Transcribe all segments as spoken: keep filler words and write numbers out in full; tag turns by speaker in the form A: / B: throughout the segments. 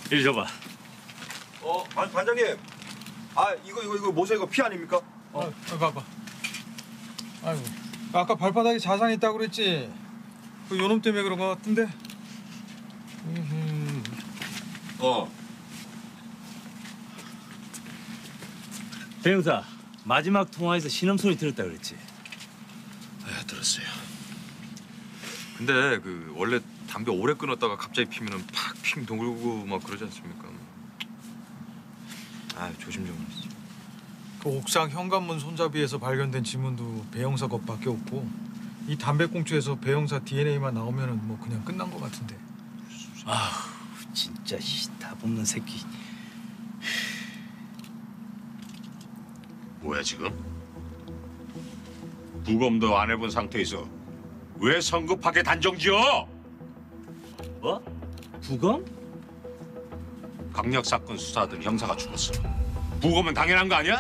A: 이리 줘봐.
B: 어, 반, 반장님. 아, 이거 이거 이거 모세 이거 피 아닙니까?
C: 어, 어 봐봐. 아이고, 아까 발바닥에 자상 있다고 그랬지. 그 요놈 때문에 그런 거 같은데. 음흠.
B: 어.
A: 배 형사, 마지막 통화에서 신음소리 들었다 그랬지?
D: 네, 들었어요. 근데 그 원래 담배 오래 끊었다가 갑자기 피면은 팍핑 돌고 막 그러지 않습니까? 아, 조심 좀 하세요.
C: 그 옥상 현관문 손잡이에서 발견된 지문도 배영사 것밖에 없고 이 담배꽁초에서 배영사 디엔에이만 나오면은 뭐 그냥 끝난 것 같은데.
A: 아우, 진짜 답 없는 새끼.
E: 뭐야 지금? 부검도 안 해본 상태에서 왜 성급하게 단정지어?
A: 뭐? 부검?
E: 강력 사건 수사하던 형사가 죽었어. 부검은 당연한 거 아니야?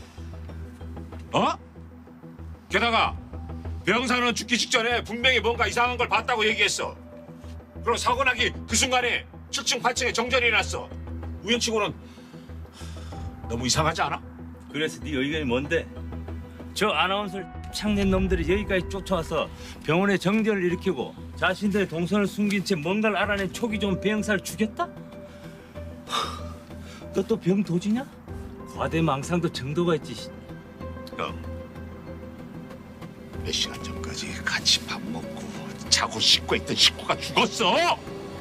E: 어? 게다가 배 형사는 죽기 직전에 분명히 뭔가 이상한 걸 봤다고 얘기했어. 그럼 사고 나기 그 순간에 칠 층, 팔 층에 정전이 났어. 우연치고는 너무 이상하지 않아?
A: 그래서 네 의견이 뭔데? 저 아나운서를 창낸 놈들이 여기까지 쫓아와서 병원에 정전을 일으키고 자신들의 동선을 숨긴 채 뭔가를 알아낸 촉이 좋은 배 형사를 죽였다? 너 또 병 도지냐? 과대망상도 정도가 있지.
E: 형, 몇 시간 전까지 같이 밥 먹고 자고 씻고 있던 식구가 죽었어.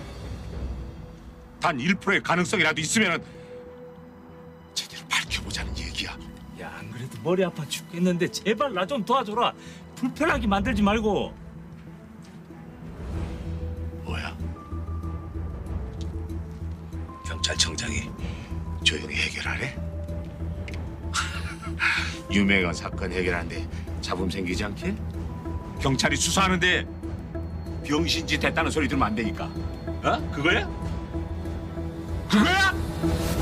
E: 단 일 퍼센트의 가능성이라도 있으면 제대로 밝혀보자는 얘기야.
A: 야, 안 그래도 머리 아파 죽겠는데 제발 나 좀 도와줘라. 불편하게 만들지 말고.
E: 뭐야? 경찰청장이 조용히 해결하래? 유명한 사건 해결하는데 잡음 생기지 않게? 경찰이 수사하는데 병신짓 했다는 소리 들으면 안 되니까. 어? 그거야? 그거야?